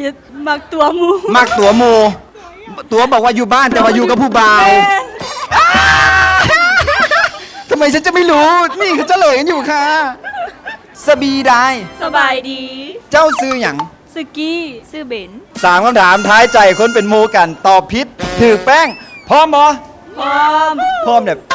ผิดมักตัวหมูมักตัวหมูตัวบอกว่าอยู่บ้านแต่ว่าอยู่กับผู้บ่าวทำไมฉันจะไม่รู้นี่เขาเฉลยกันอยู่ค่ะสบีได้สบายดีเจ้าซื้อหยังสกี้ซื้อเบนสามคำถามท้ายใจคนเป็นหมูกันตอบผิดถือแป้งพร้อมบ่พร้อมพร้อมเนี่ย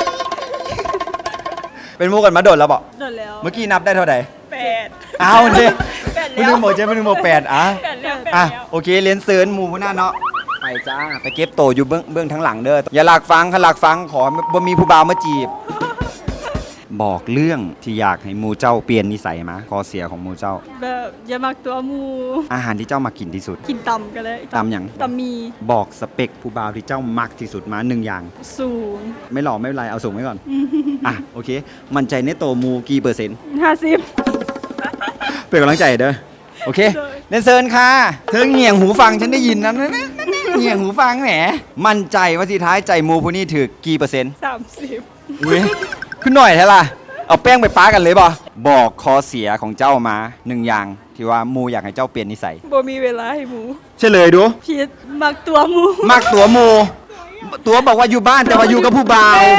เป็นหมูกันมาโดดแล้วบอกโดนแล้วเมื่อกี้นับได้เท่าไหร่ 8 เอาเนี่ยแปดไม่แล้วนึงโมเจ๊ไม่นึงโมแปดอ่ะ 8แล้วอ่ะโอเคเรียนเซิร์นหมูหน้าเนาะไปจ้าไปเก็บโตอยู่เบื้องทั้งหลังเด้ออย่าหลักฟังหลักฟังขอบ่มีผู้บ่าวมาจีบ บอกเรื่องที่อยากให้หมูเจ้าเปลี่ยนนิสัยมาข้อเสียของหมูเจ้าแบบอย่ามักตัวหมูอาหารที่เจ้ามากินที่สุดกินตำกันเลยตำหยังตำมีบอกสเปคผู้บ่าวที่เจ้ามักที่สุดมา1อย่างสูงไม่หล่อไม่เป็นไรเอาสูงไว้ก่อนอ่ะโอเค มั่นใจในโตวหมูกี่เปอร์เซ็นต์ 50 เป็นกำลังใจเด้อโอเคได้เรียนเซิร์นค่ะเธอเงี่ยงหูฟังฉันได้ยินนะเงี่ยงหูฟังแหมมั่นใจว่าที่ท้ายใจหมูผู้นี้ถือกี่เปอร์เซ็นต์ 30 อุ้ยขึ้นหน่อยแท้ล่ะเอาแป้งไปป้ากันเลยบ่บอกข้อเสียของเจ้ามา1อย่างที่ว่าหมูอยากให้เจ้าเปลี่ยนนิสัยบ่มีเวลาให้หมูเฉลยดูผิดมักตัวหมูมักตัวหมูตัวบอกว่าอยู่บ้านแต่ว่าอยู่กับผู้บ่าว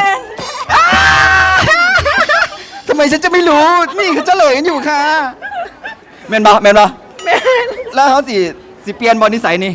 ทำไมฉันจะไม่รู้นี่เขาเฉลยกันอยู่ค่ะแม่นบ่แม่นบ่แล้วเขาสิเปลี่ยนบอนิสัยนี่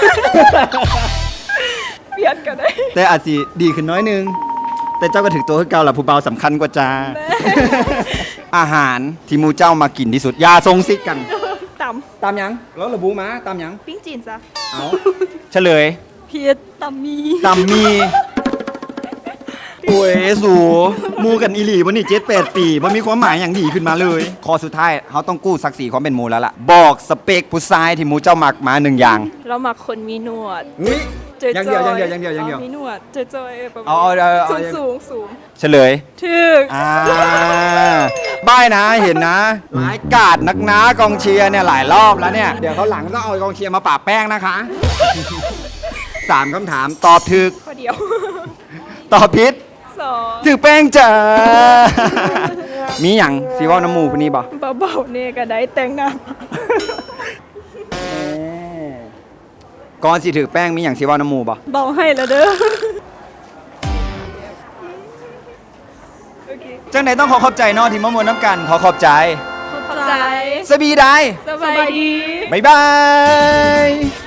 เปลี่ยนกันได้แต่อาจสิดีขึ้นน้อยนึง แต่เจ้าก็ถือตัวคือเก่าละผู้เบาสำคัญกว่าจ้า อาหารที่หมูเจ้ามากินที่สุดอยาทรงซิกกันตตามหยังแล้วระบุมาตามหยังำปิ้งจีนซะเอาเฉลยผิดตำมีตำมีโอ้ยสูหมูกันอีหลีวันนี้7-8 ปีมันมีความหมายอย่างดีขึ้นมาเลยข้อสุดท้ายเขาต้องกู้ศักดิ์ศรีความเป็นหมูแล้วล่ะบอกสเปคผู้ชายที่หมูเจ้ามักมา1อย่างเรามักคนมีหนวดเฮ้ยจอยอย่างเดียวอย่างเดียวมีหนวดจอยๆประมาณเอาสูงเฉลยถึกบ้ายนะเห็นนะหลายกาดนักหนากองเชียร์เนี่ยหลายรอบแล้วเนี่ย เดี๋ยวเขาหลังต้องเอากองเชียร์มาปะแป้งนะคะ 3 คำถามตอบถูกข้อเดียวตอบผิด 2 ถูกแป้งจ้า มีอย่างซีว่าน้ำหมูพวกนี้บ่เบาๆเนี่ยก็ได้แต่งหน้าก่อนสิถือแป้งมีอย่างซีว่าน้ำหมูบ่เบาให้แล้วเด้อจังไหนต้องขอขอบใจเนอที่มามวนน้ำกันขอขอบใจขอบใจสบีได้สบายดีบ๊ายบาย